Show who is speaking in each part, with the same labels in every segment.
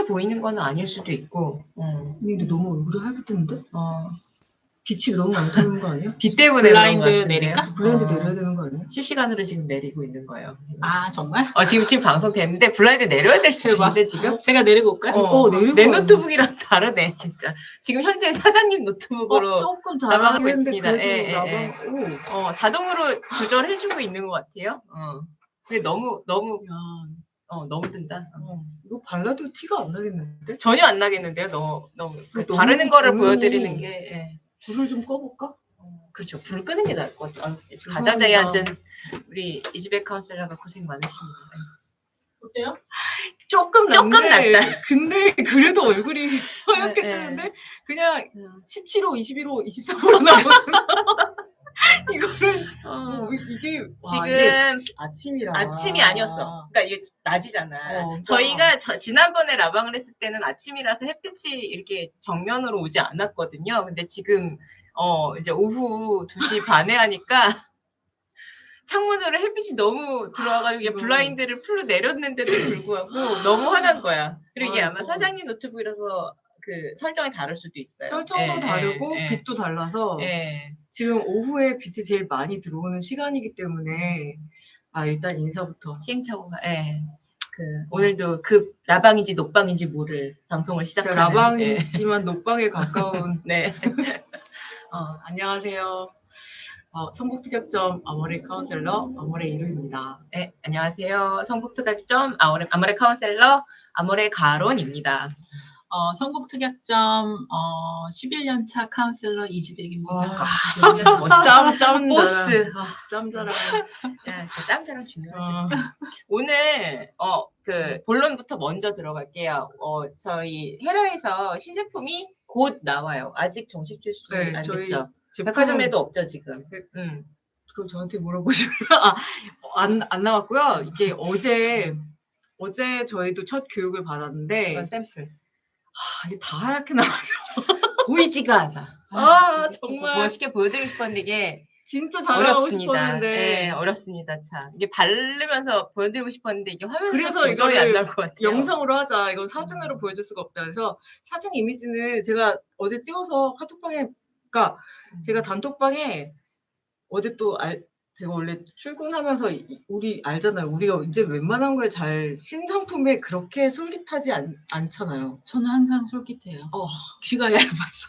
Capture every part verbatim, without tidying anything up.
Speaker 1: 하얘 보이는 건 아닐 수도 있고. 어.
Speaker 2: 근데 너무 얼굴이 하얗게 뜨는데?
Speaker 1: 어.
Speaker 2: 빛이 너무 많이 들어오는 거 아니야?
Speaker 1: 빛 때문에
Speaker 3: 블라인드
Speaker 1: 그런 것 같은데요.
Speaker 3: 내릴까?
Speaker 2: 블라인드
Speaker 1: 어.
Speaker 2: 내려야 되는 거 아니야?
Speaker 1: 실시간으로 지금 내리고 있는 거예요.
Speaker 3: 아 정말?
Speaker 1: 어, 지금 지금 방송 됐는데 블라인드 내려야 될 수도
Speaker 3: 대박.
Speaker 1: 있는데 지금.
Speaker 3: 제가 내리고 올까요?
Speaker 1: 어,
Speaker 2: 어, 내리고
Speaker 1: 내
Speaker 2: 와요.
Speaker 1: 노트북이랑 다르네 진짜. 지금 현재 사장님 노트북으로
Speaker 2: 어, 조금
Speaker 1: 나가고
Speaker 2: 잘하긴 했는데
Speaker 1: 있습니다.
Speaker 2: 그래도
Speaker 1: 예, 예,
Speaker 2: 나방
Speaker 1: 예.
Speaker 2: 오.
Speaker 1: 어, 자동으로 조절해주고 있는 것 같아요. 어. 근데 너무 너무 어 너무 뜬다. 어.
Speaker 2: 이거 발라도 티가 안 나겠는데?
Speaker 1: 전혀 안 나겠는데요. 너무 너무 그
Speaker 2: 너무
Speaker 1: 바르는 거를
Speaker 2: 너무
Speaker 1: 보여드리는 게. 예.
Speaker 2: 불을 좀 꺼볼까?
Speaker 1: 어, 그렇죠. 불 끄는 게 나을 것 같아요. 아,
Speaker 2: 죄송합니다.
Speaker 1: 가장자리 앉은 우리 이지백 카운셀러가 고생 많으십니다.
Speaker 3: 어때요?
Speaker 2: 조금
Speaker 1: 조금
Speaker 2: 난데,
Speaker 1: 낫다.
Speaker 2: 근데 그래도 얼굴이 하얗게
Speaker 1: 네,
Speaker 2: 뜨는데 그냥
Speaker 1: 음.
Speaker 2: 십칠 호, 이십일 호, 이십삼 호로 나오는 이거는
Speaker 1: 어.
Speaker 2: 어, 이게 와,
Speaker 1: 지금
Speaker 2: 이게 아침이라
Speaker 1: 아침이 아니었어. 그러니까 이게 낮이잖아.
Speaker 2: 어,
Speaker 1: 저희가 저, 지난번에 라방을 했을 때는 아침이라서 햇빛이 이렇게 정면으로 오지 않았거든요. 근데 지금 어 이제 오후 두 시 반에 하니까 창문으로 햇빛이 너무 들어와가지고 이게 블라인드를 풀로 내렸는데도 불구하고 너무 환한 거야. 그리고 이게 아마
Speaker 2: 아이고.
Speaker 1: 사장님 노트북이라서 그 설정이 다를 수도 있어요.
Speaker 2: 설정도
Speaker 1: 예,
Speaker 2: 다르고
Speaker 1: 예,
Speaker 2: 빛도 달라서
Speaker 1: 예.
Speaker 2: 지금 오후에 빛이 제일 많이 들어오는 시간이기 때문에 아 일단 인사부터
Speaker 1: 시행착오가 예. 그 오늘도 급 라방인지 녹방인지 모를 방송을
Speaker 2: 진짜
Speaker 1: 시작하는 예.
Speaker 2: 라방이지만 녹방에 가까운
Speaker 1: 네.
Speaker 2: 어, 안녕하세요. 어, 성북특약점 아모레 카운셀러 아모레 이루입니다.
Speaker 1: 네, 안녕하세요. 성북특약점 아모레, 아모레 카운셀러 아모레 가론입니다.
Speaker 3: 어, 성북특약점 어, 십일 년 차 카운셀러 이지백입니다.
Speaker 2: 아, 짬, 짬,
Speaker 1: 보스.
Speaker 2: 아, 짬자랑.
Speaker 1: 야, 그 짬짜랑 중요하지.
Speaker 2: 어,
Speaker 1: 오늘 어, 그 본론부터 먼저 들어갈게요. 어, 저희 헤라에서 신제품이 곧 나와요. 아직 정식 출시
Speaker 2: 네,
Speaker 1: 안
Speaker 2: 저희
Speaker 1: 됐죠.
Speaker 2: 제품
Speaker 1: 백화점에도 없죠 지금.
Speaker 2: 그-
Speaker 1: 음.
Speaker 2: 그거 저한테 물어보시면 아, 안, 안 나왔고요. 이게 어제 어제 저희도 첫 교육을 받았는데
Speaker 1: 이건 샘플.
Speaker 2: 아, 이게 다 하얗게 나와서
Speaker 1: 보이지가 않아.
Speaker 2: 아, 정말.
Speaker 1: 멋있게 보여드리고 싶었는데 이게
Speaker 2: 진짜 잘하고
Speaker 1: 어렵습니다.
Speaker 2: 싶었는데
Speaker 1: 네, 어렵습니다. 참 이게 바르면서 보여드리고 싶었는데 이게 화면에서
Speaker 2: 그래서
Speaker 1: 도저히
Speaker 2: 이거를
Speaker 1: 안 나올 것 같아요.
Speaker 2: 영상으로 하자. 이건 사진으로 보여줄 수가 없다. 그래서 사진 이미지는 제가 어제 찍어서 카톡방에, 그러니까 제가 단톡방에 어제 또 알, 제가 원래 출근하면서 이- 우리 알잖아요. 우리가 이제 웬만한 거에 잘 신상품에 그렇게 솔깃하지 않, 않잖아요.
Speaker 3: 저는 항상 솔깃해요.
Speaker 2: 어.
Speaker 3: 귀가 얇아서.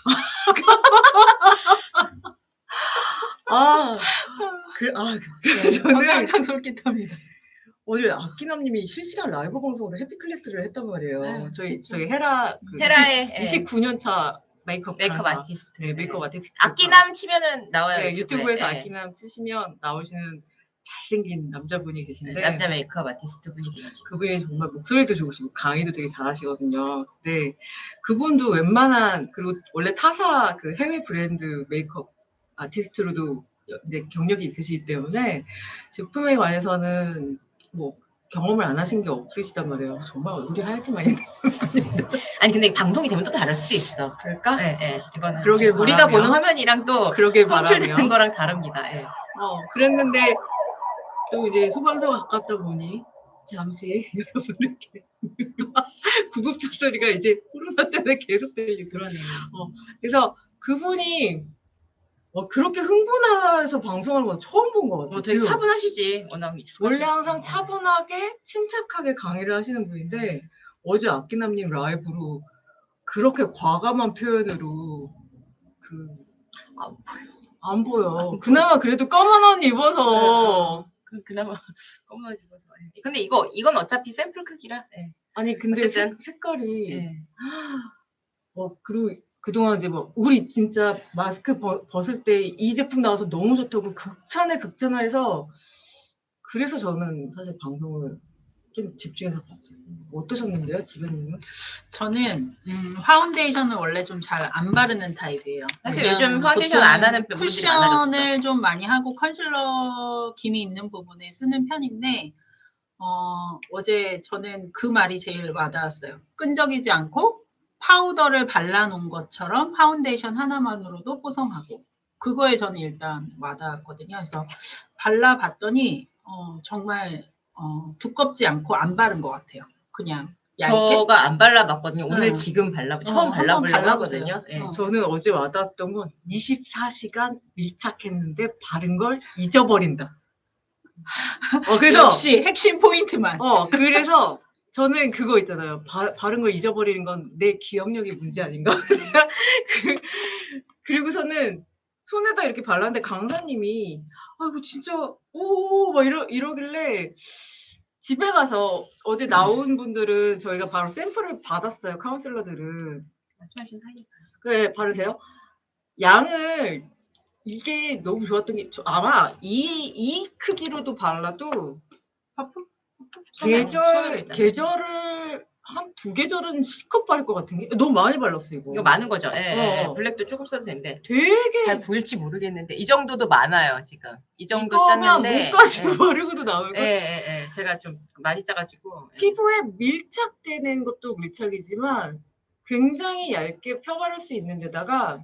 Speaker 2: 아, 그, 아,
Speaker 3: 네,
Speaker 2: 그래서
Speaker 3: 저는
Speaker 2: 저는
Speaker 3: 항상 솔깃합니다.
Speaker 2: 어제 아키남님이 실시간 라이브 방송으로 해피클래스를 했단 말이에요.
Speaker 3: 네,
Speaker 2: 저희
Speaker 3: 그쵸.
Speaker 2: 저희 헤라 그
Speaker 1: 헤라의 예,
Speaker 2: 이십구 년 차 메이크업
Speaker 1: 메이크업
Speaker 2: 강사.
Speaker 1: 아티스트.
Speaker 2: 네, 메이크업 아티스트.
Speaker 1: 아끼남 치면은 나와요.
Speaker 2: 네,
Speaker 1: 유튜브에.
Speaker 2: 유튜브에서
Speaker 1: 예.
Speaker 2: 아키남 치시면 나오시는 잘생긴 남자분이 계신데
Speaker 1: 남자 메이크업 아티스트 분이 계시죠.
Speaker 2: 그분이 정말 목소리도 좋으시고 강의도 되게 잘하시거든요. 네, 그분도 웬만한 그리고 원래 타사 그 해외 브랜드 메이크업 아티스트로도 이제 경력이 있으시기 때문에 제품에 관해서는 뭐 경험을 안 하신 게 없으시단 말이에요. 정말 얼굴이 하얗게 많이
Speaker 1: 아니 근데 방송이 되면 또 다를 수도 있어.
Speaker 2: 그럴까?
Speaker 1: 예, 예. 이거는
Speaker 2: 그러길
Speaker 1: 우리가
Speaker 2: 바라며.
Speaker 1: 보는 화면이랑 또
Speaker 2: 그러길
Speaker 1: 송출되는
Speaker 2: 바라며.
Speaker 1: 거랑 다릅니다. 예.
Speaker 2: 어, 그랬는데 또 이제 소방서가 가깝다 보니 잠시 여러분들께 구급차 소리가 이제 코로나 때문에 계속 들리고
Speaker 1: 그러네요.
Speaker 2: 그래서 그분이 어, 그렇게 흥분해서 방송하는 건 처음 본 것 같아요.
Speaker 1: 어, 되게
Speaker 2: 그
Speaker 1: 차분하시지. 워낙 익숙하시니까.
Speaker 2: 원래 항상 차분하게 침착하게 강의를 하시는 분인데 어제 아끼남님 라이브로 그렇게 과감한 표현으로 그 안 보여. 안 보여. 그나마 그래도 검은 옷 입어서
Speaker 1: 그, 그나마 검은 입어서. 예. 근데 이거 이건 어차피 샘플 크기라. 예.
Speaker 2: 아니 근데
Speaker 1: 어쨌든.
Speaker 2: 색, 색깔이
Speaker 1: 예.
Speaker 2: 어 그리고 그동안 이제 뭐 우리 진짜 마스크 벗, 벗을 때 이 제품 나와서 너무 좋다고 극찬에 극찬을 해서 그래서 저는 사실 방송을 좀 집중해서 봤죠. 어떠셨는데요, 지배님은?
Speaker 3: 저는 음, 파운데이션을 원래 좀 잘 안 바르는 타입이에요.
Speaker 1: 사실
Speaker 3: 그냥
Speaker 1: 요즘 파운데이션
Speaker 3: 보통
Speaker 1: 안 하는 분들이 많아졌어.
Speaker 3: 쿠션을 좀 많이 하고 컨실러 김이 있는 부분에 쓰는 편인데 어, 어제 저는 그 말이 제일 와닿았어요. 끈적이지 않고 파우더를 발라놓은 것처럼 파운데이션 하나만으로도 뽀송하고 그거에 저는 일단 와닿았거든요. 그래서 발라봤더니 어, 정말 어, 두껍지 않고 안 바른 것 같아요. 그냥 얇게?
Speaker 1: 저가 안 발라봤거든요. 오늘
Speaker 3: 응.
Speaker 1: 지금 발라
Speaker 3: 어,
Speaker 1: 처음
Speaker 3: 한번
Speaker 1: 발라보려고
Speaker 3: 발라보세요.
Speaker 1: 하거든요. 예.
Speaker 3: 어.
Speaker 2: 저는 어제 와닿았던 건 이십사 시간 밀착했는데 바른 걸 잊어버린다. 어, 그래서
Speaker 3: 역시 핵심 포인트만.
Speaker 2: 어, 그래서 저는 그거 있잖아요. 바, 바른 걸 잊어버리는 건 내 기억력이 문제 아닌가? 그, 그리고서는 손에다 이렇게 발랐는데 강사님이 아이고 진짜 오 막 이러 이러길래 집에 가서 어제 나온 분들은 저희가 바로 샘플을 받았어요. 카운슬러들은.
Speaker 1: 말씀하신 사이.
Speaker 2: 그래 바르세요. 양을 이게 너무 좋았던 게 저- 아마 이 이 크기로도 발라도
Speaker 3: 퍼프?
Speaker 1: 손을, 손을
Speaker 2: 계절
Speaker 1: 일단.
Speaker 2: 계절을 한 두 계절은 실컷 바를 것 같은 게 너무 많이 발랐어 이거.
Speaker 1: 이거 많은 거죠. 예, 예, 예.
Speaker 2: 어.
Speaker 1: 블랙도 조금 써도 되는데
Speaker 2: 되게
Speaker 1: 잘 보일지 모르겠는데 이 정도도 많아요 지금. 이 정도
Speaker 2: 이거면
Speaker 1: 짰는데.
Speaker 2: 목까지도
Speaker 1: 예.
Speaker 2: 바르고도 나올
Speaker 1: 예,
Speaker 2: 걸.
Speaker 1: 예, 예. 제가 좀 많이 짜가지고. 예.
Speaker 2: 피부에 밀착되는 것도 밀착이지만 굉장히 얇게 펴바를 수 있는 데다가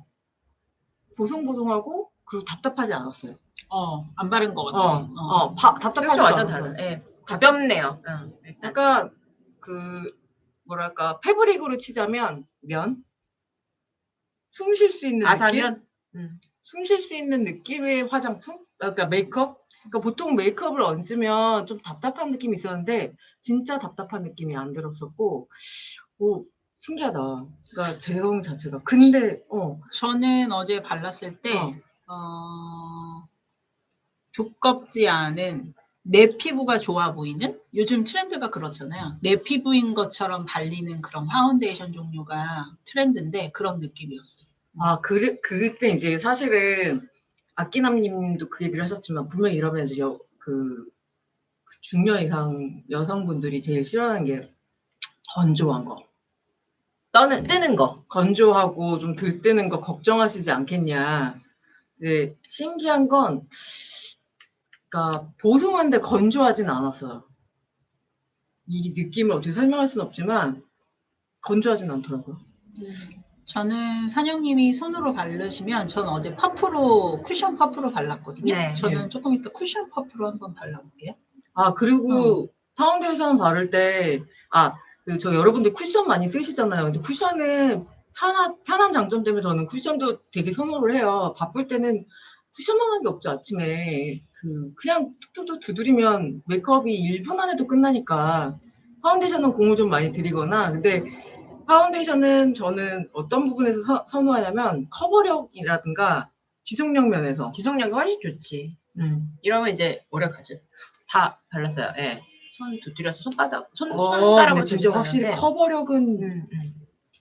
Speaker 2: 보송보송하고 그리고 답답하지 않았어요.
Speaker 3: 어, 안 바른 것 같아.
Speaker 2: 어, 어, 바, 답답하지
Speaker 1: 이렇게 완전
Speaker 2: 않았어요.
Speaker 1: 달라. 예. 가볍네요. 응, 일단.
Speaker 2: 약간 그 뭐랄까 패브릭으로 치자면 면? 숨 쉴 수 있는 느낌?
Speaker 1: 아사면. 음.
Speaker 2: 숨 쉴 수 있는 느낌의 화장품? 그러니까 메이크업? 그러니까 보통 메이크업을 얹으면 좀 답답한 느낌이 있었는데 진짜 답답한 느낌이 안 들었었고 오 신기하다. 그러니까 제형 자체가. 근데 어,
Speaker 3: 저는 어제 발랐을 때
Speaker 2: 어.
Speaker 3: 어, 두껍지 않은 내 피부가 좋아 보이는 요즘 트렌드가 그렇잖아요. 내 피부인 것처럼 발리는 그런 파운데이션 종류가 트렌드인데 그런 느낌이었어요.
Speaker 2: 아 그, 그때 이제 사실은 아끼남님도 그 얘기를 하셨지만 분명히 이러면 이제 여, 그 중년 이상 여성분들이 제일 싫어하는 게 건조한 거.
Speaker 1: 떠는 뜨는 거.
Speaker 2: 건조하고 좀 들뜨는 거 걱정하시지 않겠냐. 근데 신기한 건, 그러니까 보송한데 건조하진 않았어요. 이 느낌을 어떻게 설명할 수는 없지만 건조하진 않더라고요.
Speaker 3: 저는 산영님이 손으로 바르시면 저는 어제 퍼프로 쿠션 퍼프로 발랐거든요.
Speaker 1: 네,
Speaker 3: 저는
Speaker 2: 네.
Speaker 3: 조금 이따 쿠션 퍼프로 한번 발라볼게요.
Speaker 2: 아 그리고 파운데이션 바를 때, 아, 그 저 여러분들 쿠션 많이 쓰시잖아요. 근데 쿠션은 편한, 편한 장점 때문에 저는 쿠션도 되게 선호를 해요. 바쁠 때는 쿠션만 한 게 없죠. 아침에 그 그냥 툭툭툭 두드리면 메이크업이 일 분 안에도 끝나니까 파운데이션은 공을 좀 많이 들이거나. 근데 파운데이션은 저는 어떤 부분에서 서- 선호하냐면 커버력이라든가 지속력 면에서.
Speaker 1: 지속력이 훨씬 좋지.
Speaker 2: 음.
Speaker 1: 이러면 이제 오래 가죠. 다 발랐어요. 예. 손 두드려서 손바닥, 손,
Speaker 2: 어,
Speaker 1: 손가락으로
Speaker 2: 근데 진짜 확실히
Speaker 1: 두드렸는데,
Speaker 2: 커버력은
Speaker 1: 음, 음.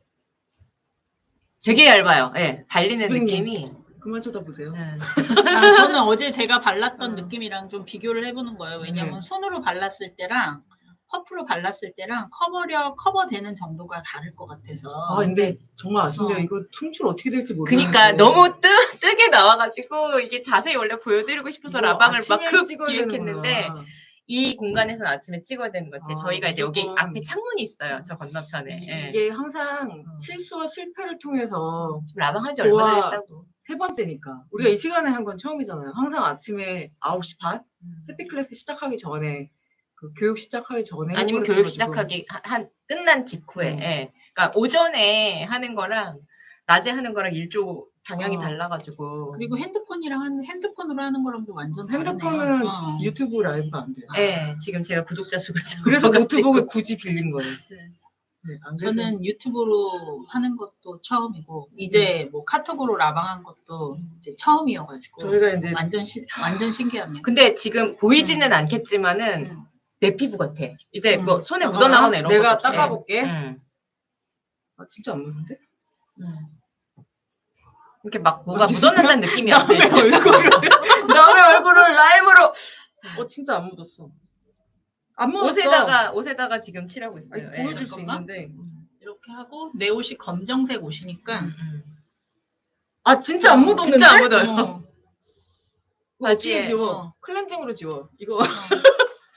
Speaker 1: 되게 얇아요. 예. 발리는
Speaker 2: 지금님.
Speaker 1: 느낌이.
Speaker 2: 그만 쳐다보세요.
Speaker 1: 음.
Speaker 3: 아, 저는 어제 제가 발랐던
Speaker 2: 어.
Speaker 3: 느낌이랑 좀 비교를 해보는 거예요. 왜냐면
Speaker 2: 네.
Speaker 3: 손으로 발랐을 때랑 퍼프로 발랐을 때랑 커버력, 커버되는 정도가 다를 것 같아서.
Speaker 2: 아 근데 정말 아쉽네요.
Speaker 3: 어.
Speaker 2: 이거 퉁출 어떻게 될지 모르겠어요.
Speaker 1: 그니까 너무 뜨, 뜨게 나와가지고 이게 자세히 원래 보여드리고 싶어서 라방을 막 급 기획했는데 이 공간에서는 아침에 찍어야 되는 것 같아요.
Speaker 2: 아,
Speaker 1: 저희가 이제 여기
Speaker 2: 무조건.
Speaker 1: 앞에 창문이 있어요. 저 건너편에. 예.
Speaker 2: 이게 항상
Speaker 1: 어.
Speaker 2: 실수와 실패를 통해서
Speaker 1: 지금 라방 한지
Speaker 2: 좋아.
Speaker 1: 얼마나 됐다고.
Speaker 2: 세 번째니까 우리가 이 시간에 한 건 처음이잖아요. 항상 아침에 아홉 시 반 해피 클래스 시작하기 전에 그 교육 시작하기 전에
Speaker 1: 아니면
Speaker 2: 해버렸던
Speaker 1: 교육
Speaker 2: 거 지금.
Speaker 1: 시작하기 한, 한 끝난 직후에.
Speaker 2: 음.
Speaker 1: 예. 그러니까 오전에 하는 거랑 낮에 하는 거랑 일조 방향이
Speaker 2: 어.
Speaker 1: 달라가지고.
Speaker 3: 그리고 핸드폰이랑 한, 핸드폰으로 하는 거랑도 완전 다르네요.
Speaker 2: 핸드폰은
Speaker 3: 어.
Speaker 2: 유튜브 라이브가 안 돼요.
Speaker 1: 예. 지금 제가 구독자 수가
Speaker 2: 그래서
Speaker 1: 적어가지고.
Speaker 2: 노트북을 굳이 빌린 거예요.
Speaker 1: 네.
Speaker 2: 네, 안 그래서
Speaker 3: 저는 유튜브로 하는 것도 처음이고 이제 뭐 카톡으로 라방한 것도 이제 처음이어가지고
Speaker 2: 저희가 이제
Speaker 3: 완전 시, 완전 신기하네요.
Speaker 1: 근데 지금 보이지는 않겠지만은
Speaker 3: 음.
Speaker 1: 내 피부 같아. 이제
Speaker 3: 음.
Speaker 1: 뭐 손에
Speaker 2: 잠깐만,
Speaker 1: 묻어나거나 이런
Speaker 2: 내가
Speaker 1: 것도 없이.
Speaker 2: 닦아볼게.
Speaker 1: 음.
Speaker 2: 아, 진짜 안 묻는데?
Speaker 1: 음. 이렇게 막 뭐가
Speaker 2: 완전
Speaker 1: 묻어난다는 느낌이 안
Speaker 2: 남의
Speaker 1: 들죠.
Speaker 2: 얼굴을 남의 얼굴을 라임으로 어 진짜 안 묻었어. 안 묻었어.
Speaker 1: 옷에다가 옷에다가 지금 칠하고 있어요.
Speaker 2: 아니,
Speaker 1: 예.
Speaker 2: 보여줄 수
Speaker 3: 잠깐만.
Speaker 2: 있는데.
Speaker 3: 음, 이렇게 하고 내 옷이 검정색 옷이니까
Speaker 1: 음, 음.
Speaker 2: 아 진짜 안 묻었는데?
Speaker 1: 진짜 안 묻어요.
Speaker 3: 어,
Speaker 2: 이거 어떻게
Speaker 1: 바지에,
Speaker 2: 지워?
Speaker 3: 어.
Speaker 2: 클렌징으로 지워. 이거
Speaker 3: 어.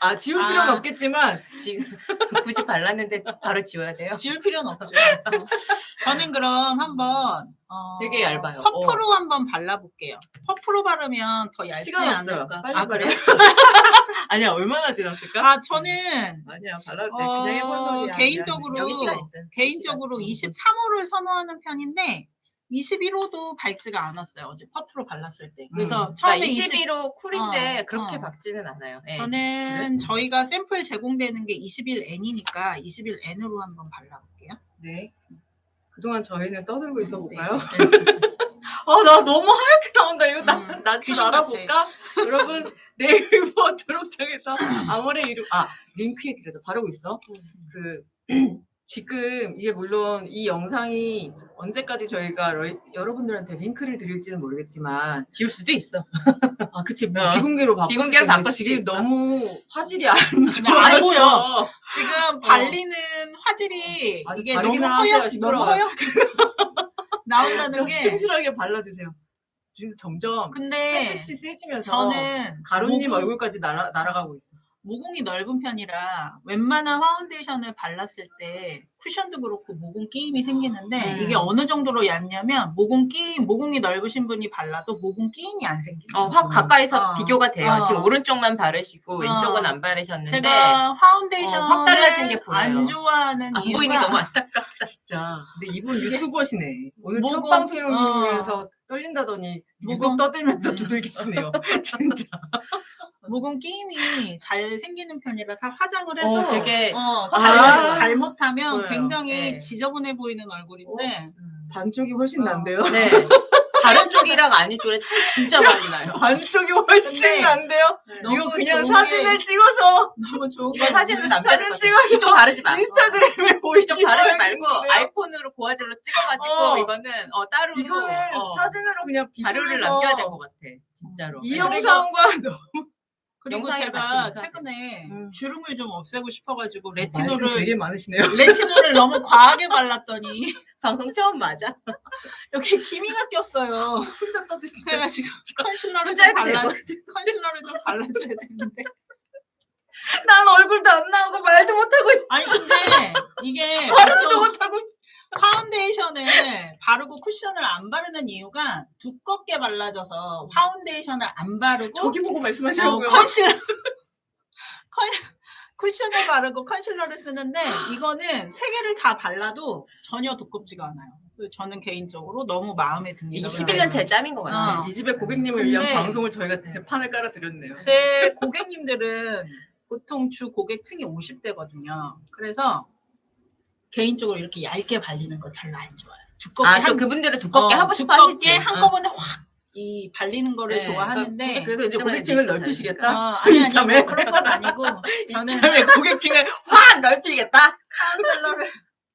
Speaker 2: 아, 지울 필요는
Speaker 3: 아.
Speaker 2: 없겠지만
Speaker 1: 지금 굳이 발랐는데 바로 지워야 돼요.
Speaker 3: 지울 필요는 없죠. 어. 저는 그럼 한번 어,
Speaker 2: 되게 얇아요.
Speaker 3: 퍼프로 한번 발라볼게요. 퍼프로 바르면 더 얇지
Speaker 2: 시간 없어요.
Speaker 3: 않을까?
Speaker 2: 빨리
Speaker 3: 아,
Speaker 2: 빨리.
Speaker 3: 그래요?
Speaker 2: 아니야, 얼마나 지났을까?
Speaker 3: 아, 저는
Speaker 2: 아니야, 발라도 돼.
Speaker 3: 어,
Speaker 2: 그냥 해본 소리야.
Speaker 3: 개인적으로
Speaker 1: 여기 시간 있어요.
Speaker 3: 개인적으로 이십삼 호를 선호하는 편인데 이십일 호도 밝지가 않았어요. 어제 퍼프로 발랐을 때. 그래서
Speaker 2: 음.
Speaker 3: 처음에
Speaker 1: 그러니까
Speaker 3: 이십
Speaker 1: 이십일 호 쿨인데
Speaker 3: 어,
Speaker 1: 그렇게
Speaker 3: 어.
Speaker 1: 밝지는 않아요. 예.
Speaker 3: 저는 저희가 샘플 제공되는 게 이십일 엔이니까 이십일 엔으로 한번 발라볼게요.
Speaker 2: 네. 그동안 저희는 떠들고 있어 볼까요?
Speaker 3: 네.
Speaker 2: 아, 나 너무 하얗게 나온다. 이거 나,
Speaker 3: 음,
Speaker 2: 나 좀
Speaker 3: 귀신
Speaker 2: 알아볼까? 여러분, 네이버 초록창에서 아모레 이름, 아, 링크에 그래도 바르고 있어. 그, 지금 이게 물론 이 영상이 언제까지 저희가 러- 여러분들한테 링크를 드릴지는 모르겠지만,
Speaker 1: 지울 수도 있어.
Speaker 2: 아, 그치, 뭐
Speaker 1: 어.
Speaker 2: 비공개로 바꿀
Speaker 1: 비공개로
Speaker 2: 수도 있는데
Speaker 1: 바꿀 수도
Speaker 2: 지금
Speaker 1: 있어.
Speaker 2: 너무 화질이 안
Speaker 3: 안
Speaker 2: 좋아서.
Speaker 3: 보여. 지금 발리는 화질이
Speaker 2: 아주
Speaker 3: 이게 너무
Speaker 2: 바르기나
Speaker 3: 허옇,
Speaker 2: 하세요,
Speaker 3: 너무
Speaker 2: 시끄러워요.
Speaker 3: 허옇게 나온다는 게.
Speaker 2: 충실하게 발라주세요. 지금 점점
Speaker 3: 근데
Speaker 2: 햇빛이 세지면서
Speaker 3: 저는
Speaker 2: 가루님
Speaker 3: 모공-
Speaker 2: 얼굴까지 날아, 날아가고 있어.
Speaker 3: 모공이 넓은 편이라 웬만한 파운데이션을 발랐을 때 쿠션도 그렇고 모공 끼임이 생기는데
Speaker 1: 음.
Speaker 3: 이게 어느 정도로 얇냐면 모공 끼임, 모공이 넓으신 분이 발라도 모공 끼임이 안 생겨요.
Speaker 1: 어, 확 가까이서
Speaker 3: 어.
Speaker 1: 비교가 돼요.
Speaker 3: 어.
Speaker 1: 지금 오른쪽만 바르시고
Speaker 3: 어.
Speaker 1: 왼쪽은 안 바르셨는데
Speaker 3: 제가 파운데이션을
Speaker 1: 어, 확 달라진 게 보여요.
Speaker 3: 안 좋아하는
Speaker 1: 안
Speaker 3: 이유가
Speaker 1: 보이니 너무 안타깝다.
Speaker 2: 진짜. 근데 이분 유튜버시네. 오늘 첫
Speaker 3: 모공-
Speaker 2: 방송이면서 떨린다더니
Speaker 3: 모공-
Speaker 2: 유독 떠들면서
Speaker 3: 음.
Speaker 2: 두들기시네요. 진짜.
Speaker 3: 모공 끼임이 잘 생기는 편이라 다 화장을 해도
Speaker 1: 어, 되게
Speaker 3: 어,
Speaker 2: 아.
Speaker 3: 잘, 잘못하면
Speaker 2: 보여요.
Speaker 3: 굉장히
Speaker 1: 네.
Speaker 3: 지저분해 보이는 얼굴인데
Speaker 2: 반쪽이 훨씬
Speaker 3: 어.
Speaker 2: 난데요.
Speaker 1: 네. 다른 쪽이랑 아닌 쪽에 차이 진짜 많이 나요.
Speaker 2: 반쪽이 훨씬
Speaker 3: 근데
Speaker 2: 난데요.
Speaker 3: 너무
Speaker 2: 이거 그냥
Speaker 3: 좋은
Speaker 2: 사진을
Speaker 3: 게-
Speaker 2: 찍어서
Speaker 3: 너무 좋은
Speaker 1: 이거
Speaker 3: 게
Speaker 1: 사진으로
Speaker 3: 뭐냐면
Speaker 1: 남겨야 될 것
Speaker 2: 사진
Speaker 1: 같아요.
Speaker 2: 찍어서
Speaker 1: 이쪽 바르지 마.
Speaker 2: 인스타그램에 올리지
Speaker 1: 이쪽 바르지 말고
Speaker 2: 말고
Speaker 1: 아이폰으로 고화질로 찍어가지고
Speaker 2: 어.
Speaker 1: 이거는 어, 따로
Speaker 2: 이거는
Speaker 1: 어,
Speaker 2: 사진으로 그냥
Speaker 1: 자료를
Speaker 2: 비교해서
Speaker 1: 남겨야 될 것 같아. 진짜로.
Speaker 2: 이
Speaker 1: 네.
Speaker 2: 영상과 너무
Speaker 3: 그리고
Speaker 1: 영상에
Speaker 3: 제가
Speaker 1: 같이 링크하세요.
Speaker 3: 최근에
Speaker 2: 음.
Speaker 3: 주름을 좀 없애고 싶어가지고
Speaker 2: 말씀
Speaker 3: 레티놀을
Speaker 2: 되게 많으시네요.
Speaker 3: 레티놀을 너무 과하게 발랐더니
Speaker 1: 방송 처음 맞아.
Speaker 3: 여기 기미가 꼈어요.
Speaker 2: 혼자 떠드시네요.
Speaker 3: 그래가지고 컨실러를
Speaker 1: 혼자
Speaker 3: 좀
Speaker 1: 해도
Speaker 3: 발라
Speaker 1: 되고.
Speaker 3: 컨실러를 좀 발라줘야 되는데
Speaker 2: 난 얼굴도 안 나오고 말도 못하고 있어.
Speaker 3: 아니 근데 이게
Speaker 2: 말도
Speaker 3: 보통
Speaker 2: 못하고 있어.
Speaker 3: 파운데이션을 바르고 쿠션을 안 바르는 이유가 두껍게 발라져서 파운데이션을 안 바르고
Speaker 2: 저기 보고
Speaker 3: 어,
Speaker 2: 말씀하시라고요.
Speaker 3: 컨실러 컨 쿠션을 바르고 컨실러를 쓰는데 이거는 세 개를 다 발라도 전혀 두껍지가 않아요. 그래서 저는 개인적으로 너무 마음에 듭니다.
Speaker 1: 이십일 년 제 짬인 것 같아요.
Speaker 3: 어.
Speaker 2: 이 집의 고객님을 위한
Speaker 3: 근데-
Speaker 2: 방송을 저희가 이제 판을 깔아드렸네요.
Speaker 3: 제 고객님들은 보통 주 고객층이 오십 대거든요. 그래서 개인적으로 이렇게 얇게 발리는 걸 별로 안 좋아해요. 두껍게
Speaker 1: 아, 또
Speaker 3: 한,
Speaker 1: 그분들은 두껍게
Speaker 3: 어,
Speaker 1: 하고 싶어
Speaker 3: 두껍게
Speaker 1: 하시지.
Speaker 3: 한꺼번에 확 이 발리는 거를
Speaker 1: 네,
Speaker 3: 좋아하는데
Speaker 2: 그래서 이제
Speaker 1: 때문에
Speaker 2: 고객층을
Speaker 1: 미스터
Speaker 2: 넓히시겠다.
Speaker 3: 어, 아니 아니
Speaker 2: 이참에?
Speaker 3: 뭐 그런 건 아니고 저는
Speaker 2: 이참에 고객층을 확 넓히겠다.
Speaker 3: 카운셀러를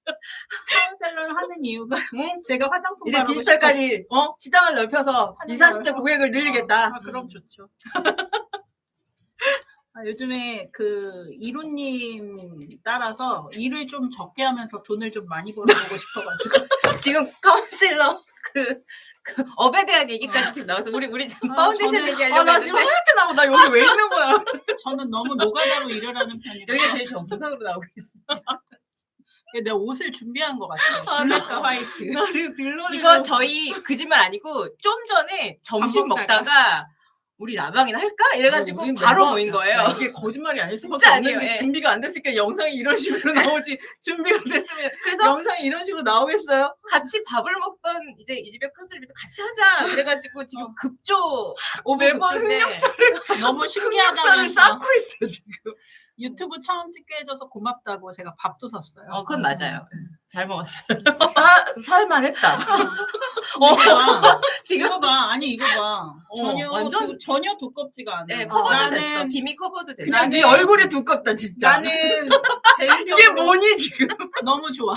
Speaker 3: 카운셀러를 하는 이유가 제가 화장품
Speaker 2: 이제
Speaker 3: 바르고
Speaker 2: 디지털까지 어 시장을 넓혀서
Speaker 3: 하는
Speaker 2: 이십, 삼십 대
Speaker 3: 거예요.
Speaker 2: 고객을
Speaker 3: 싶어서.
Speaker 2: 늘리겠다.
Speaker 3: 아, 그럼 좋죠. 아, 요즘에 그 이루님 따라서 일을 좀 적게 하면서 돈을 좀 많이 벌어보고 싶어가지고
Speaker 1: 지금 카운슬러 그, 그 업에 대한 얘기까지 지금 나와서 우리 우리 지금
Speaker 3: 아,
Speaker 1: 파운데이션
Speaker 3: 저는-
Speaker 1: 얘기하려고
Speaker 2: 아, 나 지금
Speaker 1: 했는데
Speaker 2: 하얗게 나고 나 여기 왜 있는 거야?
Speaker 3: 저는 너무 노가다로 일을 하는 편이라
Speaker 1: 여기가 제일 정상으로 나오고 있어.
Speaker 3: 내가 옷을 준비한 것 같아요.
Speaker 2: 아,
Speaker 3: 블랙과 화이트.
Speaker 2: 나 지금 들러리.
Speaker 1: 이거 저희 거짓말 아니고 좀 전에 점심
Speaker 3: 밥 먹다가.
Speaker 1: 먹다가 우리 라방이나 할까? 이래가지고
Speaker 2: 우린
Speaker 1: 바로
Speaker 2: 멤버-
Speaker 1: 모인 거예요.
Speaker 2: 야, 이게 거짓말이 아닐 수밖에
Speaker 1: 진짜
Speaker 2: 없는 게
Speaker 1: 아니에요, 예.
Speaker 2: 준비가 안 됐으니까 영상이 이런 식으로 나오지. 준비가 됐으면
Speaker 1: 그래서
Speaker 2: 영상이 이런 식으로 나오겠어요?
Speaker 1: 같이 밥을 먹던 이제 이 집에 컨설비도 같이 하자. 그래가지고 지금
Speaker 3: 어.
Speaker 1: 급조
Speaker 2: 어, 매번
Speaker 1: 급조인데
Speaker 3: 너무
Speaker 2: 흑역사를
Speaker 3: 신기하다면서
Speaker 2: 쌓고 있어 지금.
Speaker 3: 유튜브 처음 찍게 해줘서 고맙다고 제가 밥도 샀어요.
Speaker 1: 어, 그건 맞아요. 잘 먹었어요.
Speaker 2: 사, 살만했다.
Speaker 3: 어, 이거 봐.
Speaker 1: 지금
Speaker 3: 이거 봐. 아니 이거 봐.
Speaker 1: 어,
Speaker 3: 전혀
Speaker 1: 완전-
Speaker 3: 두, 전혀 두껍지가 않아.
Speaker 1: 네, 커버도
Speaker 3: 나는
Speaker 1: 됐어. 김이 커버도 됐어.
Speaker 2: 그냥
Speaker 3: 나는-
Speaker 2: 네 얼굴이 두껍다 진짜.
Speaker 3: 나는 개인적으로
Speaker 2: 이게 뭐니 지금?
Speaker 3: 너무 좋아.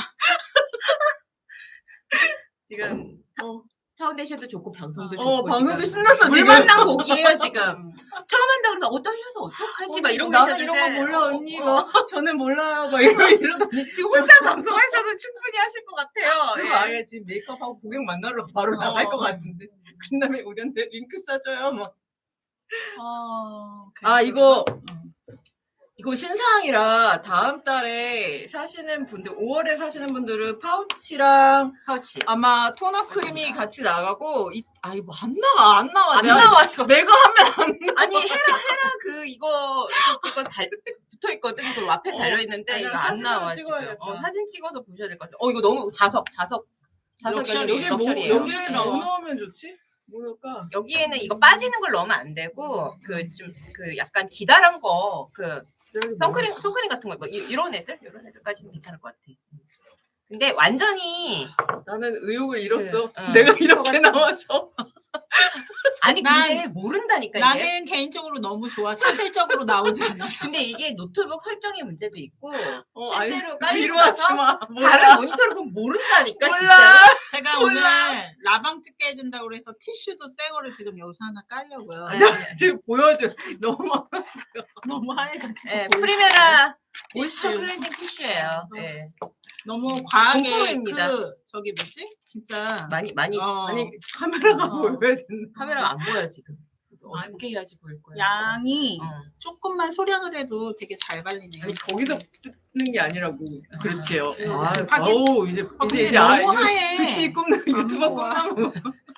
Speaker 1: 지금
Speaker 3: 어.
Speaker 1: 파운데이션도 좋고 방송도 좋고
Speaker 2: 어 방송도
Speaker 1: 지금
Speaker 2: 신났어
Speaker 1: 물
Speaker 2: 지금.
Speaker 1: 만난 곡이에요 지금. 처음 한다고 그래서 어 떨려서 어떡하지 막 이러고
Speaker 2: 나는
Speaker 1: 계셨는데
Speaker 2: 이런 거 몰라
Speaker 1: 어,
Speaker 2: 언니
Speaker 1: 어,
Speaker 2: 뭐 저는 몰라요 막 이러 이러더니
Speaker 1: 지금 혼자 방송하셔도 충분히 하실 것 같아요.
Speaker 2: 그거
Speaker 1: 예.
Speaker 2: 아예 지금 메이크업하고 고객 만나러 바로 나갈
Speaker 3: 어.
Speaker 2: 것 같은데 그 다음에 우리한테 링크 써줘요 막.
Speaker 3: 어,
Speaker 2: 아 이거
Speaker 3: 음.
Speaker 2: 이거 신상이라 다음 달에 사시는 분들, 오월에 사시는 분들은 파우치랑
Speaker 1: 파우치.
Speaker 2: 아마 토너 크림이 같이 나가고, 이, 아, 이거 안 나와, 안 나와.
Speaker 1: 안
Speaker 2: 내가,
Speaker 1: 나와요.
Speaker 2: 내가 하면 안 나와.
Speaker 1: 아니 헤라 헤라 그 이거 그- 그거 달 붙어 있거든. 그 와펜
Speaker 2: 어,
Speaker 1: 달려 있는데
Speaker 2: 아니야,
Speaker 1: 이거 안
Speaker 2: 사진 한번
Speaker 1: 나와 지금.
Speaker 2: 찍어야겠다.
Speaker 1: 어, 사진 찍어서 보셔야 될 것 같아. 어 이거 너무 자석 자석 자석이
Speaker 3: 럭셔리.
Speaker 2: 여기 뭐,
Speaker 1: 럭셔리예요.
Speaker 2: 여기에
Speaker 3: 럭셔리.
Speaker 2: 뭐 넣으면 좋지? 뭐 넣을까?
Speaker 1: 여기에는 이거 빠지는 걸 넣으면 안 되고 그 좀 그 약간 기다란 거 그 선크림 선크림 같은 거 뭐 이런 애들 이런 애들까지는 괜찮을 것 같아. 근데 완전히
Speaker 2: 나는 의욕을 잃었어.
Speaker 1: 그, 어,
Speaker 2: 내가
Speaker 1: 슈퍼
Speaker 2: 이렇게
Speaker 1: 같은
Speaker 2: 나와서.
Speaker 1: 아니
Speaker 3: 난-
Speaker 1: 근데 모른다니까 이게.
Speaker 3: 나는 개인적으로 너무 좋아. 사실적으로 나오지 않아서.
Speaker 1: 근데 이게 노트북 설정의 문제도 있고
Speaker 2: 어,
Speaker 1: 실제로
Speaker 2: 아니,
Speaker 1: 깔리고
Speaker 2: 위로하지
Speaker 1: 나서
Speaker 2: 마.
Speaker 1: 다른 모니터를 보면 모른다니까
Speaker 2: 몰라.
Speaker 1: 진짜.
Speaker 3: 제가
Speaker 2: 몰라.
Speaker 3: 오늘 라방 찍게 해준다고 그래서 티슈도 새 거를 지금 여기서 하나 깔려고요.
Speaker 1: 네.
Speaker 2: 지금 보여줘. 너무
Speaker 3: 너무 하얘가지고.
Speaker 1: 네,
Speaker 3: 보이지
Speaker 1: 프리메라
Speaker 3: 티슈.
Speaker 1: 모이스처 클렌징 티슈예요. 네.
Speaker 3: 너무 과하게
Speaker 1: 공포입니다.
Speaker 3: 그 저기 뭐지? 진짜
Speaker 1: 많이 많이
Speaker 3: 어,
Speaker 2: 아니 카메라가
Speaker 3: 어.
Speaker 2: 보여야 된다.
Speaker 1: 카메라가 안 보여 지금. 어떻게 해야지 보일 거야?
Speaker 3: 양이
Speaker 1: 어.
Speaker 3: 조금만 소량을 해도 되게 잘 발리네요.
Speaker 2: 아니 거기서 뜯는 게 아니라고. 그렇지요.
Speaker 3: 네.
Speaker 2: 아,
Speaker 3: 하긴-
Speaker 2: 아우 이제
Speaker 3: 아,
Speaker 2: 이제
Speaker 3: 근데
Speaker 2: 이제 아,
Speaker 3: 너무
Speaker 2: 이제
Speaker 3: 하얘.
Speaker 2: 그치 꿈나 유튜버
Speaker 3: 안 먹어.
Speaker 2: 꿈나무.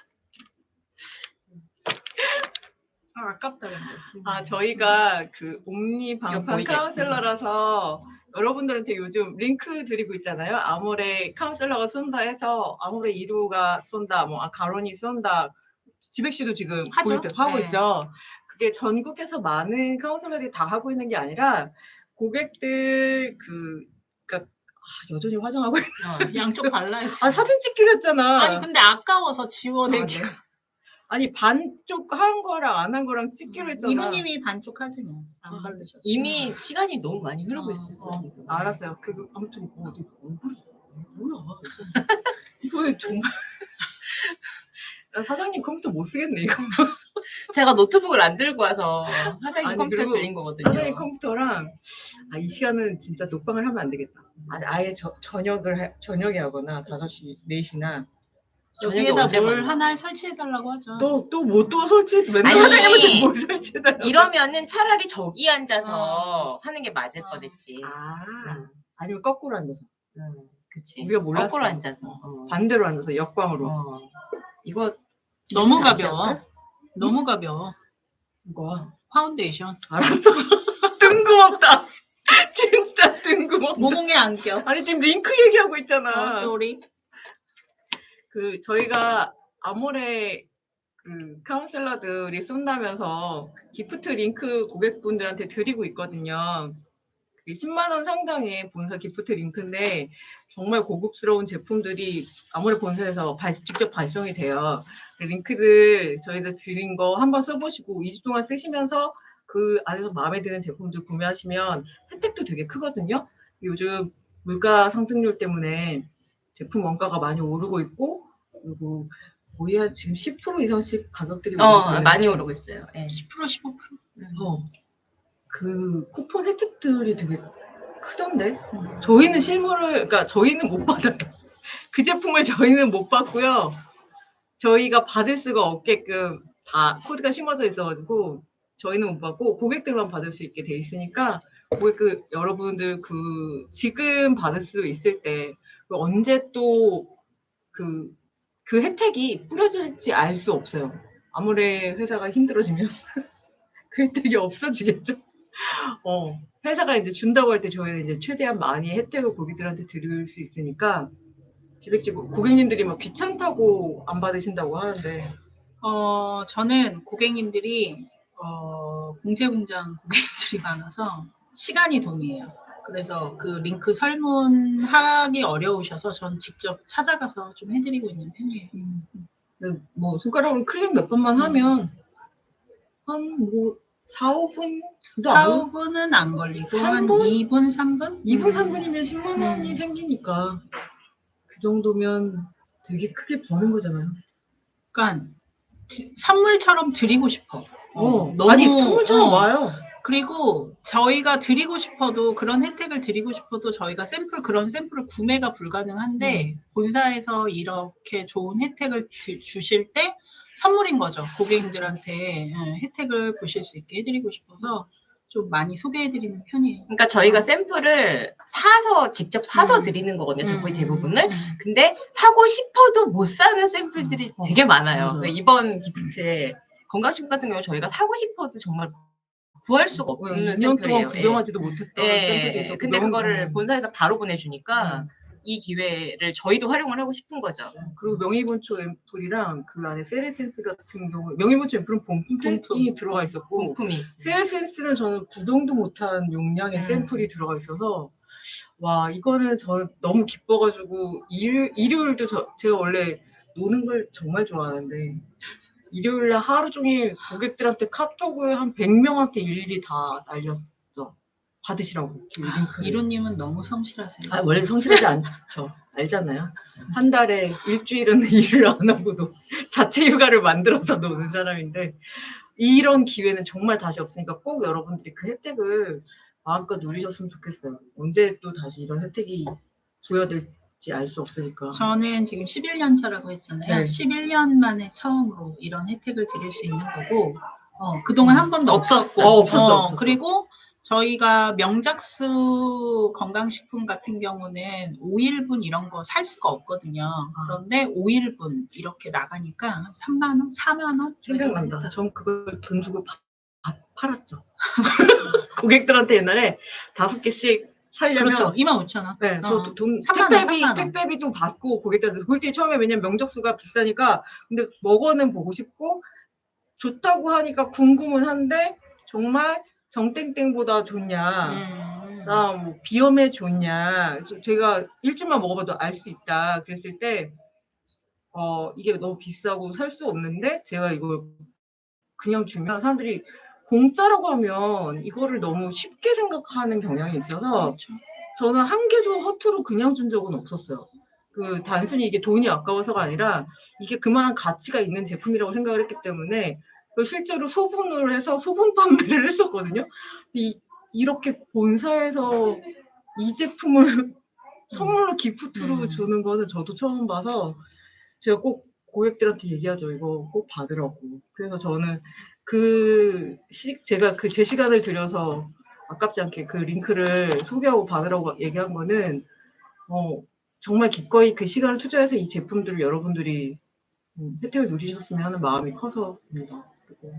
Speaker 3: 아, 아깝다 근데.
Speaker 2: 아 저희가 그 옴니 방판
Speaker 1: 보이게.
Speaker 2: 카운셀러라서 여러분들한테 요즘 링크 드리고 있잖아요. 아모레 카운셀러가 쏜다 해서 아모레 이 호가 쏜다, 뭐 아, 가론이 쏜다. 지백 씨도 지금
Speaker 3: 하죠.
Speaker 2: 보일 때 하고
Speaker 3: 네.
Speaker 2: 있죠. 그게 전국에서 많은 카운셀러들이 다 하고 있는 게 아니라 고객들 그 그러니까 아, 여전히 화장하고 있...
Speaker 1: 어.
Speaker 3: 양쪽 발라야지.
Speaker 2: 아 사진 찍기로 했잖아.
Speaker 3: 아니 근데 아까워서 지워내기.
Speaker 2: 아, 네. 아니 반쪽 한 거랑 안 한 거랑 찍기로 했잖아.
Speaker 3: 이모님이 반쪽 하지 뭐. 안
Speaker 2: 아,
Speaker 3: 바르셨어.
Speaker 1: 이미 시간이 너무 많이 흐르고
Speaker 3: 어,
Speaker 1: 있었어
Speaker 2: 어,
Speaker 1: 지금.
Speaker 2: 알았어요. 그 아무튼 어, 너 얼굴이 뭐야? 이거 정말 나 사장님 컴퓨터 못 쓰겠네 이거.
Speaker 1: 제가 노트북을 안 들고 와서 사장님
Speaker 2: 아니,
Speaker 1: 컴퓨터
Speaker 2: 그리고
Speaker 1: 빌린 거거든요.
Speaker 2: 사장님 컴퓨터랑 아, 이 시간은 진짜 녹방을 하면 안 되겠다. 아니, 아예 저, 저녁을 해, 저녁에 하거나 다섯 시, 네 시나
Speaker 1: 저녁에
Speaker 3: 여기에다
Speaker 1: 언제
Speaker 3: 뭘
Speaker 1: 먹나?
Speaker 3: 하나 설치해달라고 하죠.
Speaker 2: 또또 뭐 또 설치 맨날
Speaker 1: 아니,
Speaker 2: 사장님한테 뭘 설치해달라고.
Speaker 1: 이러면은 차라리 저기 앉아서 하는 게 맞을
Speaker 3: 어.
Speaker 1: 뻔했지.
Speaker 2: 아
Speaker 1: 응,
Speaker 2: 아니면 거꾸로 앉아서
Speaker 1: 응, 그치.
Speaker 2: 우리가 몰랐어.
Speaker 1: 거꾸로 앉아서. 어.
Speaker 2: 반대로 앉아서 역광으로.
Speaker 1: 어. 이거
Speaker 3: 너무
Speaker 1: 다시
Speaker 3: 가벼워.
Speaker 1: 할까?
Speaker 3: 너무 가벼워.
Speaker 2: 이거
Speaker 3: 파운데이션.
Speaker 2: 알았어. 뜬금없다. 진짜 뜬금없다.
Speaker 3: 모공에 안 껴.
Speaker 2: 아니 지금 링크 얘기하고 있잖아.
Speaker 3: 어, 쏘리.
Speaker 2: 그 저희가 아모레 그 카운셀러들이 쏜다면서 기프트 링크 고객분들한테 드리고 있거든요. 그게 십만 원 상당의 본사 기프트 링크인데 정말 고급스러운 제품들이 아모레 본사에서 발- 직접 발송이 돼요. 그 링크들 저희들 드린 거 한번 써보시고 이 주 동안 쓰시면서 그 안에서 마음에 드는 제품들 구매하시면 혜택도 되게 크거든요. 요즘 물가 상승률 때문에 제품 원가가 많이 오르고 있고 그리고 거의 한 지금 십 퍼센트 이상씩 가격들이 오르고
Speaker 1: 어,
Speaker 2: 있는데
Speaker 1: 많이 오르고 있어요. 예.
Speaker 3: 십 퍼센트 십오 퍼센트.
Speaker 2: 어, 그 쿠폰 혜택들이 되게 크던데 저희는 실물을 그러니까 저희는 못 받아요. 그 제품을 저희는 못 받고요. 저희가 받을 수가 없게끔 다 코드가 심어져 있어가지고 저희는 못 받고 고객들만 받을 수 있게 돼 있으니까 고객 그 여러분들 그 지금 받을 수 있을 때 언제 또 그 그 혜택이 뿌려질지 알 수 없어요. 아무리 회사가 힘들어지면 그 혜택이 없어지겠죠. 어, 회사가 이제 준다고 할 때 저희는 이제 최대한 많이 혜택을 고객들한테 드릴 수 있으니까 지백집 고객님들이 막 귀찮다고 안 받으신다고 하는데
Speaker 3: 어, 저는 고객님들이 어, 공채공장 고객님들이 많아서 시간이 돈이에요. 그래서 그 링크 설문하기 어려우셔서 전 직접 찾아가서 좀 해드리고 있는 편이에요.
Speaker 2: 근데 뭐 손가락으로 클릭 몇 번만 하면 한 뭐 사, 오 분도
Speaker 3: 사,
Speaker 2: 안
Speaker 3: 오 분은 안 걸리고
Speaker 2: 삼
Speaker 3: 한
Speaker 2: 분?
Speaker 3: 이 분, 삼 분?
Speaker 2: 이 분,
Speaker 3: 음.
Speaker 2: 삼 분이면 십만 원이
Speaker 3: 음.
Speaker 2: 생기니까 그 정도면 되게 크게 버는 거잖아요.
Speaker 3: 그러니까 드- 선물처럼 드리고 싶어.
Speaker 2: 어,
Speaker 3: 너무-
Speaker 2: 아니 선물처럼
Speaker 3: 어.
Speaker 2: 와요.
Speaker 3: 그리고 저희가 드리고 싶어도 그런 혜택을 드리고 싶어도 저희가 샘플 그런 샘플을 구매가 불가능한데 본사에서 이렇게 좋은 혜택을 드- 주실 때 선물인 거죠. 고객님들한테 예, 혜택을 보실 수 있게 해드리고 싶어서 좀 많이 소개해드리는 편이에요.
Speaker 1: 그러니까 저희가 샘플을 사서 직접 사서
Speaker 3: 음.
Speaker 1: 드리는 거거든요.
Speaker 3: 음,
Speaker 1: 거의
Speaker 3: 음,
Speaker 1: 대부분을.
Speaker 3: 음.
Speaker 1: 근데 사고 싶어도 못 사는 샘플들이
Speaker 2: 어,
Speaker 1: 되게 많아요.
Speaker 2: 맞아요.
Speaker 1: 그러니까 이번 기프트에 건강식품 같은 경우 저희가 사고 싶어도 정말 구할 수가 없는
Speaker 2: 이 년 동안
Speaker 1: 샘플이에요.
Speaker 2: 구경하지도 못했던
Speaker 1: 예.
Speaker 2: 샘플이
Speaker 1: 예.
Speaker 2: 있었고
Speaker 1: 근데
Speaker 2: 명-
Speaker 1: 그거를
Speaker 2: 음.
Speaker 1: 본사에서 바로 보내주니까
Speaker 2: 음.
Speaker 1: 이 기회를 저희도 활용을 하고 싶은 거죠.
Speaker 2: 그리고 명의본초 앰플이랑 그 안에 세레센스 같은 경우 명의본초 앰플은 본품이
Speaker 3: 본품.
Speaker 2: 들어가 있었고
Speaker 1: 공품이.
Speaker 2: 세레센스는 저는 구동도 못한 용량의
Speaker 1: 음.
Speaker 2: 샘플이 들어가 있어서 와 이거는 저 너무 기뻐가지고 일, 일요일도 저, 제가 원래 노는 걸 정말 좋아하는데 일요일날 하루 종일 고객들한테 카톡을 한 백 명한테 일일이 다 날렸어. 받으시라고 그 링크를.
Speaker 3: 이로님은 너무 성실하세요.
Speaker 2: 아, 원래 성실하지 않죠. 알잖아요. 한 달에 일주일은 일을 안 하고도 자체 휴가를 만들어서 노는 사람인데 이런 기회는 정말 다시 없으니까 꼭 여러분들이 그 혜택을 마음껏 누리셨으면 좋겠어요. 언제 또 다시 이런 혜택이 부여될지 알 수 없으니까.
Speaker 3: 저는 지금 십일 년 차라고 했잖아요.
Speaker 2: 네.
Speaker 3: 십일 년 만에 처음으로 이런 혜택을 드릴 수 있는 거고, 어, 그동안 한 번도
Speaker 1: 없었어.
Speaker 3: 없었고,
Speaker 2: 어, 없었어, 없었어.
Speaker 3: 그리고 저희가 명작수 건강식품 같은 경우는 오 일분 이런 거 살 수가 없거든요. 그런데 오 일분 이렇게 나가니까 삼만 원, 사만 원?
Speaker 2: 생각난다. 전 그걸 돈 주고 파- 파- 팔았죠. 고객들한테 옛날에 다섯 개씩 살려면
Speaker 3: 그렇죠. 이만 오천 원.
Speaker 2: 네, 저도
Speaker 3: 어.
Speaker 2: 돈
Speaker 3: 삼만 원,
Speaker 2: 택배비
Speaker 3: 삼만 원.
Speaker 2: 택배비도 받고 고객들한테 고객들이 처음에 왜냐면 명적수가 비싸니까 근데 먹어는 보고 싶고 좋다고 하니까 궁금은 한데 정말 정땡땡보다 좋냐,
Speaker 3: 음.
Speaker 2: 나 뭐 비염에 좋냐, 저- 제가 일주일만 먹어봐도 알 수 있다 그랬을 때 어 이게 너무 비싸고 살 수 없는데 제가 이걸 그냥 주면 사람들이 공짜라고 하면 이거를 너무 쉽게 생각하는 경향이 있어서
Speaker 3: 그렇죠.
Speaker 2: 저는 한 개도 허투루 그냥 준 적은 없었어요. 그 단순히 이게 돈이 아까워서가 아니라 이게 그만한 가치가 있는 제품이라고 생각을 했기 때문에 그걸 실제로 소분을 해서 소분 판매를 했었거든요. 이, 이렇게 본사에서 이 제품을 선물로 기프트로
Speaker 3: 음.
Speaker 2: 주는 거는 저도 처음 봐서 제가 꼭 고객들한테 얘기하죠. 이거 꼭 받으라고. 그래서 저는 그 시, 제가 그 제 시간을 들여서 아깝지 않게 그 링크를 소개하고 받으라고 얘기한 거는 어, 정말 기꺼이 그 시간을 투자해서 이 제품들을 여러분들이 음, 혜택을 누리셨으면 하는 마음이 커서입니다. 그리고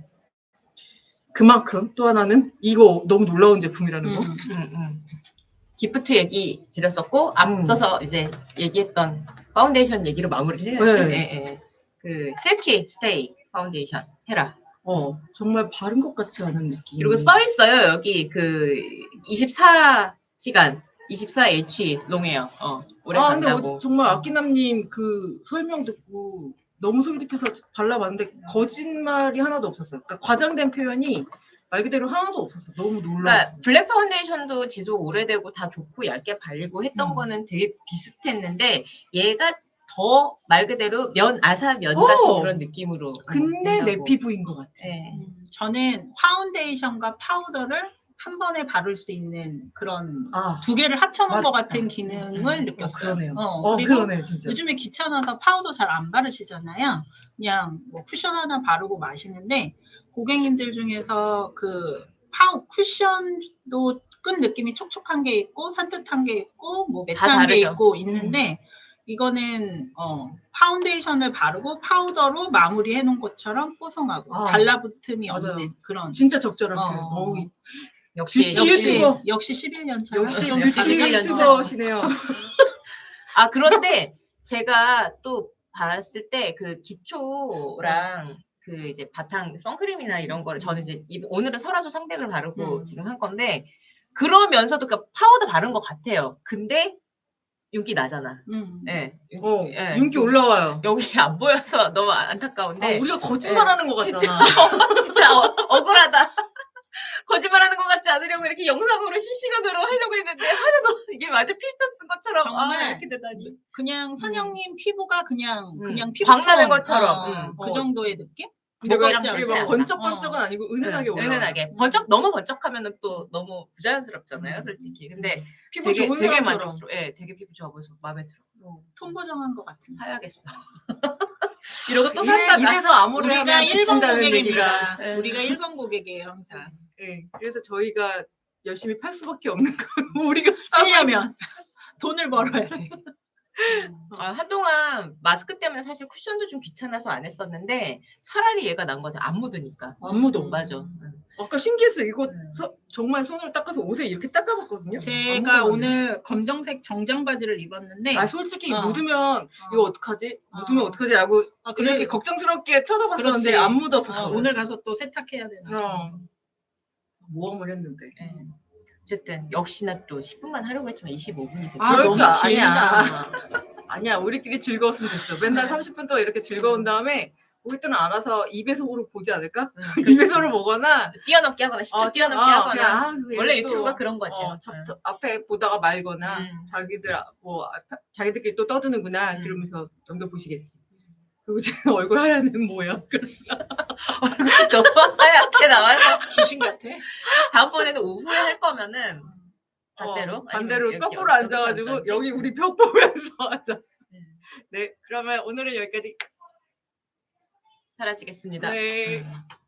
Speaker 2: 그만큼 또 하나는 이거 너무 놀라운 제품이라는 거.
Speaker 3: 음.
Speaker 1: 음, 음. 기프트 얘기 드렸었고 앞서서 이제 얘기했던 파운데이션 얘기로 마무리를 해야지.
Speaker 2: 네.
Speaker 1: 예, 예. 그 실키 스테이 파운데이션 헤라.
Speaker 2: 어, 정말 바른 것 같지 않은 느낌.
Speaker 1: 그리고 써 있어요. 여기 그 이십사 시간 이십사 에이치 롱웨어. 어, 오래
Speaker 2: 아, 근데
Speaker 1: 간다고.
Speaker 2: 어제 정말 아끼남님 그 설명 듣고 너무 솔깃해서 발라봤는데 거짓말이 하나도 없었어요. 그러니까 과장된 표현이 말 그대로 하나도 없었어. 너무 놀라웠어요.
Speaker 1: 그러니까 블랙 파운데이션도 지속 오래되고 다 좋고 얇게 발리고 했던
Speaker 2: 음.
Speaker 1: 거는 되게 비슷했는데 얘가 더 말 그대로 면 아사 면
Speaker 2: 어!
Speaker 1: 같은 그런 느낌으로.
Speaker 2: 근데 내
Speaker 1: 된다고.
Speaker 2: 피부인 것 같아.
Speaker 1: 예.
Speaker 3: 음, 저는 파운데이션과 파우더를 한 번에 바를 수 있는 그런
Speaker 2: 아,
Speaker 3: 두 개를 합쳐놓은
Speaker 2: 맞-
Speaker 3: 것 같은 기능을
Speaker 1: 음, 음.
Speaker 2: 어,
Speaker 3: 느꼈어요.
Speaker 2: 그러네요.
Speaker 3: 어,
Speaker 2: 어,
Speaker 3: 그리고
Speaker 2: 그러네, 진짜.
Speaker 3: 요즘에 귀찮아서 파우더 잘 안 바르시잖아요. 그냥 뭐 쿠션 하나 바르고 마시는데 고객님들 중에서 그 파우 쿠션도 끈 느낌이 촉촉한 게 있고 산뜻한 게 있고 뭐
Speaker 1: 다
Speaker 3: 매트한 게
Speaker 1: 다르죠.
Speaker 3: 있고 있는데 이거는 어, 파운데이션을 바르고 파우더로 마무리해 놓은 것처럼 뽀송하고
Speaker 2: 아,
Speaker 3: 달라붙음이
Speaker 2: 맞아요.
Speaker 3: 없는 그런
Speaker 2: 진짜 적절한
Speaker 3: 어,
Speaker 2: 표현.
Speaker 3: 어.
Speaker 2: 어우,
Speaker 1: 역시
Speaker 2: 뷰티
Speaker 3: 역시
Speaker 2: 유튜버.
Speaker 3: 역시 십일 년 차.
Speaker 2: 역시
Speaker 1: 아,
Speaker 2: 뷰티
Speaker 1: 십일 년 차.
Speaker 2: 유튜버시네요.
Speaker 1: 아 그런데 제가 또 봤을 때 그 기초랑 그 이제 바탕 선크림이나 이런 거를 저는 이제 이- 오늘은 설화조 상백을 바르고
Speaker 3: 음.
Speaker 1: 지금 한 건데 그러면서도 그 파우더 바른 것 같아요. 근데 윤기 나잖아.
Speaker 3: 음.
Speaker 1: 예. 윤-
Speaker 2: 어,
Speaker 1: 예.
Speaker 2: 윤기 올라와요.
Speaker 1: 여기 안 보여서 너무 안타까운데
Speaker 2: 아, 우리가 거짓말하는 것
Speaker 1: 진짜,
Speaker 2: 같잖아.
Speaker 1: 진짜 어, 억울하다. 거짓말하는 것 같지 않으려고 이렇게 영상으로 실시간으로 하려고 했는데 하나도 이게 완전 필터 쓴 것처럼 아
Speaker 3: 정말
Speaker 1: 이렇게 되다니.
Speaker 3: 그냥 선영님 피부가 그냥
Speaker 1: 음.
Speaker 3: 그냥 피부
Speaker 1: 광나는 것처럼,
Speaker 3: 어,
Speaker 1: 음.
Speaker 3: 그
Speaker 2: 어.
Speaker 3: 정도의 느낌?
Speaker 2: 근데 왜
Speaker 1: 먹거리랑
Speaker 2: 이게
Speaker 1: 다르지
Speaker 2: 막
Speaker 1: 않아.
Speaker 2: 번쩍번쩍은
Speaker 3: 어.
Speaker 2: 아니고 은은하게
Speaker 1: 응,
Speaker 2: 올라와.
Speaker 1: 은은하게 번쩍 너무 번쩍하면은 또 너무 부자연스럽잖아요,
Speaker 2: 음.
Speaker 1: 솔직히. 근데
Speaker 2: 피부
Speaker 1: 되게
Speaker 2: 좋은
Speaker 1: 되게
Speaker 2: 사람처럼.
Speaker 1: 만족스러워. 예, 되게 피부 좋아 보여서 마음에 들어.
Speaker 2: 어.
Speaker 3: 통보정한 것 같은.
Speaker 1: 사야겠어. 이러고 또
Speaker 2: 이래,
Speaker 1: 산다. 나.
Speaker 2: 이래서 암호를
Speaker 3: 우리가
Speaker 2: 하면
Speaker 3: 일 번
Speaker 2: 비친다는
Speaker 3: 고객입니다.
Speaker 2: 얘기가.
Speaker 1: 예.
Speaker 3: 우리가 일 번 고객이에요 항상.
Speaker 2: 예, 그래서 저희가 열심히 팔 수밖에 없는 건 우리가
Speaker 3: 쓰려면 돈을 벌어야 돼.
Speaker 1: 아, 한동안 마스크 때문에 사실 쿠션도 좀 귀찮아서 안 했었는데 차라리 얘가 난 것 같아. 안 묻으니까.
Speaker 2: 안 묻어.
Speaker 1: 맞아. 응.
Speaker 2: 아까 신기했어요. 이거
Speaker 3: 음.
Speaker 2: 서- 정말 손으로 닦아서 옷에 이렇게 닦아봤거든요.
Speaker 3: 제가
Speaker 2: 안 묻어가지고.
Speaker 3: 오늘 검정색 정장 바지를 입었는데
Speaker 2: 아 솔직히
Speaker 3: 어.
Speaker 2: 묻으면 이거 어떡하지?
Speaker 3: 어.
Speaker 2: 묻으면 어떡하지? 하고
Speaker 3: 아,
Speaker 2: 이렇게
Speaker 3: 그래.
Speaker 2: 걱정스럽게 쳐다봤었는데
Speaker 3: 그렇지.
Speaker 2: 안 묻었어.
Speaker 3: 어, 오늘 가서 또 세탁해야 되나
Speaker 2: 어.
Speaker 3: 싶어서.
Speaker 2: 모험을 했는데.
Speaker 1: 네. 어쨌든 역시나 또 십 분만 하려고 했지만 이십오 분이 됐고.
Speaker 3: 아,
Speaker 2: 그럴
Speaker 3: 너무
Speaker 2: 줄 아-
Speaker 3: 길다.
Speaker 2: 아니야, 우리끼리 즐거웠으면 됐어. 맨날 삼십 분 동안 이렇게 즐거운 다음에 고객들은 알아서 이 배속으로 보지 않을까? 이 배속으로 보거나
Speaker 1: 뛰어넘기 하거나 십 초
Speaker 2: 어,
Speaker 1: 뛰어넘기
Speaker 2: 어,
Speaker 1: 하거나.
Speaker 2: 그냥, 아, 그게
Speaker 1: 원래
Speaker 2: 또,
Speaker 1: 유튜브가 그런 거죠.
Speaker 2: 어, 저- 저- 앞에 보다가 말거나
Speaker 1: 음.
Speaker 2: 자기들 아- 뭐 앞에- 자기들끼리 또 떠드는구나
Speaker 1: 음.
Speaker 2: 그러면서 넘겨 보시겠지. 그리고 지금 얼굴 하얀 애는 뭐야?
Speaker 1: 너무 하얗게 나와서
Speaker 3: 귀신 같아.
Speaker 1: 다음번에는 오후에 할 거면은 반대로
Speaker 2: 어, 반대로
Speaker 1: 아니면
Speaker 2: 거꾸로
Speaker 1: 여기- 여기서
Speaker 2: 앉아가지고
Speaker 1: 앉던지?
Speaker 2: 여기 우리 벽 보면서 하자.
Speaker 1: 네.
Speaker 2: 네, 그러면 오늘은 여기까지.
Speaker 1: 사라지겠습니다.
Speaker 2: 네.
Speaker 1: 음.